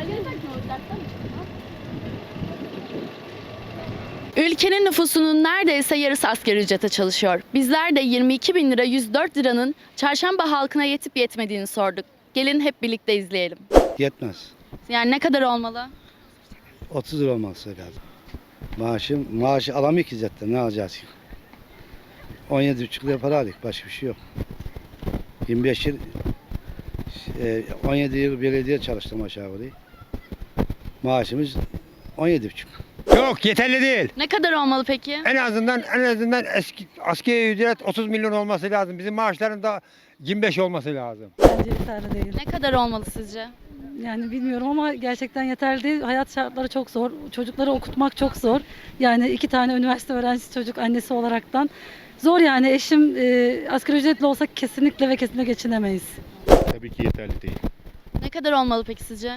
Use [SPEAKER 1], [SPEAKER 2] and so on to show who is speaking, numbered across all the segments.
[SPEAKER 1] Ülkenin nüfusunun neredeyse yarısı asgari ücrete çalışıyor. Bizler de 22 bin lira 104 liranın çarşamba halkına yetip yetmediğini sorduk. Gelin hep birlikte izleyelim.
[SPEAKER 2] Yetmez.
[SPEAKER 1] Yani ne kadar olmalı?
[SPEAKER 2] 30 lira olması lazım. Maaşı alamıyor ki zaten, ne alacağız ki? 17,5 lira para aldık, başka bir şey yok. 25 yıl, 17 yıl belediye çalıştım aşağı yukarı. Maaşımız 17,5.
[SPEAKER 3] Yok, yeterli değil.
[SPEAKER 1] Ne kadar olmalı peki?
[SPEAKER 3] En azından eski asgari ücret 30 milyon olması lazım. Bizim maaşların da 25 olması lazım.
[SPEAKER 4] Bence yeterli değil.
[SPEAKER 1] Ne kadar olmalı sizce?
[SPEAKER 4] Yani bilmiyorum ama gerçekten yeterli değil. Hayat şartları çok zor. Çocukları okutmak çok zor. Yani 2 tane üniversite öğrencisi çocuk annesi olaraktan. Zor yani. Eşim asgari ücretli olsa kesinlikle ve kesinlikle geçinemeyiz.
[SPEAKER 5] Tabii ki yeterli değil.
[SPEAKER 1] Ne kadar olmalı peki sizce?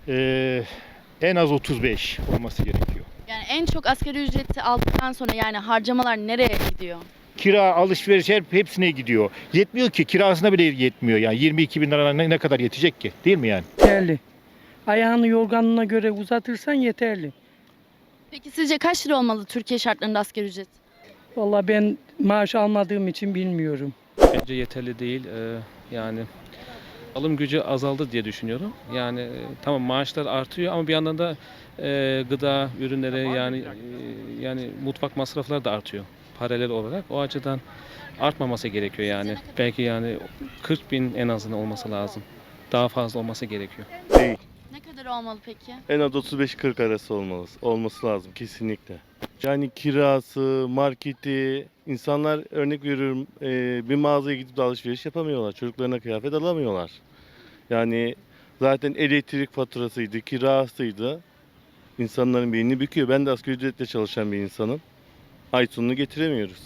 [SPEAKER 5] En az 35 olması gerekiyor.
[SPEAKER 1] Yani en çok asgari ücreti aldıktan sonra yani harcamalar nereye gidiyor?
[SPEAKER 5] Kira, alışveriş hepsine gidiyor. Yetmiyor ki, kirasına bile yetmiyor. Yani 22 bin lira ne kadar yetecek ki, değil mi yani?
[SPEAKER 6] Yeterli. Ayağını yorganına göre uzatırsan yeterli.
[SPEAKER 1] Peki sizce kaç lira olmalı Türkiye şartlarında asgari ücret?
[SPEAKER 6] Vallahi ben maaş almadığım için bilmiyorum.
[SPEAKER 7] Bence yeterli değil. Yani alım gücü azaldı diye düşünüyorum. Yani tamam maaşlar artıyor ama bir yandan da gıda ürünleri yani mutfak masrafları da artıyor paralel olarak. O açıdan artmaması gerekiyor yani. Belki yani 40 bin en azından olması lazım. Daha fazla olması gerekiyor.
[SPEAKER 8] Değil.
[SPEAKER 1] Ne kadar olmalı peki?
[SPEAKER 8] En az 35-40 arası olması lazım kesinlikle. Yani kirası, marketi, insanlar örnek veriyorum bir mağazaya gidip de alışveriş yapamıyorlar. Çocuklarına kıyafet alamıyorlar. Yani zaten elektrik faturasıydı, kirasıydı. İnsanların beynini büküyor. Ben de asgari ücretle çalışan bir insanım. Ay sonunu getiremiyoruz.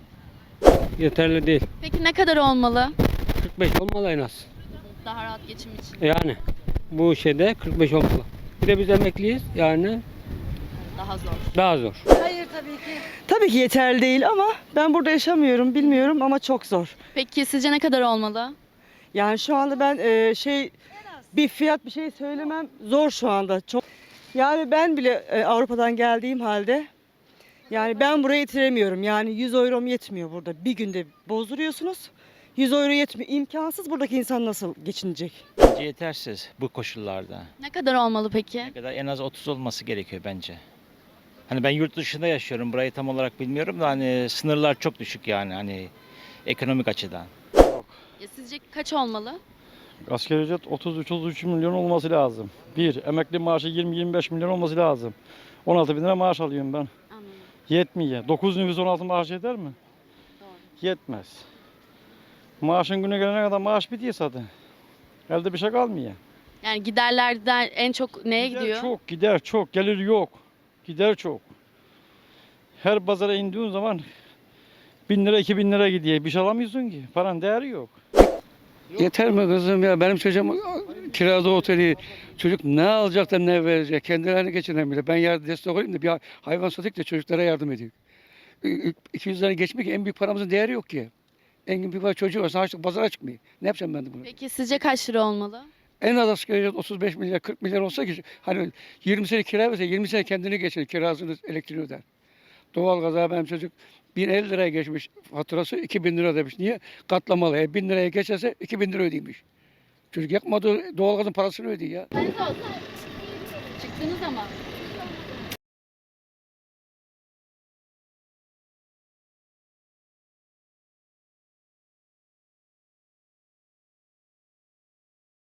[SPEAKER 6] Yeterli değil.
[SPEAKER 1] Peki ne kadar olmalı
[SPEAKER 6] 45 olmalı en az.
[SPEAKER 1] daha rahat geçim için?
[SPEAKER 6] Yani bu şeyde 45 olmalı. Bir de biz emekliyiz yani
[SPEAKER 1] Daha zor.
[SPEAKER 6] daha zor.
[SPEAKER 9] Tabii ki yeterli değil ama ben burada yaşamıyorum, bilmiyorum ama çok zor.
[SPEAKER 1] Peki sizce ne kadar olmalı?
[SPEAKER 9] Yani şu anda ben bir fiyat bir şey söylemem zor şu anda. Çok. Yani ben bile Avrupa'dan geldiğim halde yani ben buraya yetiremiyorum. Yani 100 euro'm yetmiyor burada. Bir günde bozduruyorsunuz. 100 euro yetmiyor. İmkansız, buradaki insan nasıl geçinecek?
[SPEAKER 10] Bence yetersiz bu koşullarda.
[SPEAKER 1] Ne kadar olmalı peki?
[SPEAKER 10] Ne kadar en az 30 olması gerekiyor bence. Hani ben yurt dışında yaşıyorum. Burayı tam olarak bilmiyorum da hani sınırlar çok düşük yani hani ekonomik açıdan.
[SPEAKER 1] Ya sizce kaç olmalı?
[SPEAKER 6] Asgari ücret 30-33 milyon olması lazım. Bir, emekli maaşı 20-25 milyon olması lazım. 16 bin lira maaş alıyorum ben.
[SPEAKER 1] Anladım.
[SPEAKER 6] Yetmiyor. 9 nüfus 16 maaş yeter mi?
[SPEAKER 1] Doğru.
[SPEAKER 6] Yetmez. Maaşın günü gelene kadar maaş bitiyor zaten. Elde bir şey kalmıyor.
[SPEAKER 1] Yani giderlerden en çok neye gidiyor?
[SPEAKER 6] Gider çok, gelir yok. Gider çok. Her pazara indiğin zaman 1000 lira 2000 lira gidiyor. Bir şey alamıyorsun ki. Paran değeri yok.
[SPEAKER 11] Yeter mi kızım ya? Benim çocuğum kirada oteli. Çocuk ne alacak da ne verecek? Kendilerini geçinemiyor. Ben yardım destek olayım da bir hayvan satayım da çocuklara yardım edeyim. 200 lira geçmek en büyük paramızın değeri yok ki. En büyük para çocuğu varsa açlık pazara çıkmıyor. Ne yapacağım ben de bunu?
[SPEAKER 1] Peki sizce kaç lira olmalı?
[SPEAKER 11] En az asgari ücret 35 milyar 40 milyar olsa ki hani 20 sene kira verse 20 sene kendini geçirir. Kirasını elektriğini öder. Doğalgaza benim çocuk 1050 liraya geçmiş faturası 2000 lira demiş. Niye? Katlamalı. 1000 liraya geçerse 2000 lira ödeymiş. Çocuk yakmadığı doğalgazın parasını ödüyor ya.
[SPEAKER 1] Çıktınız ama.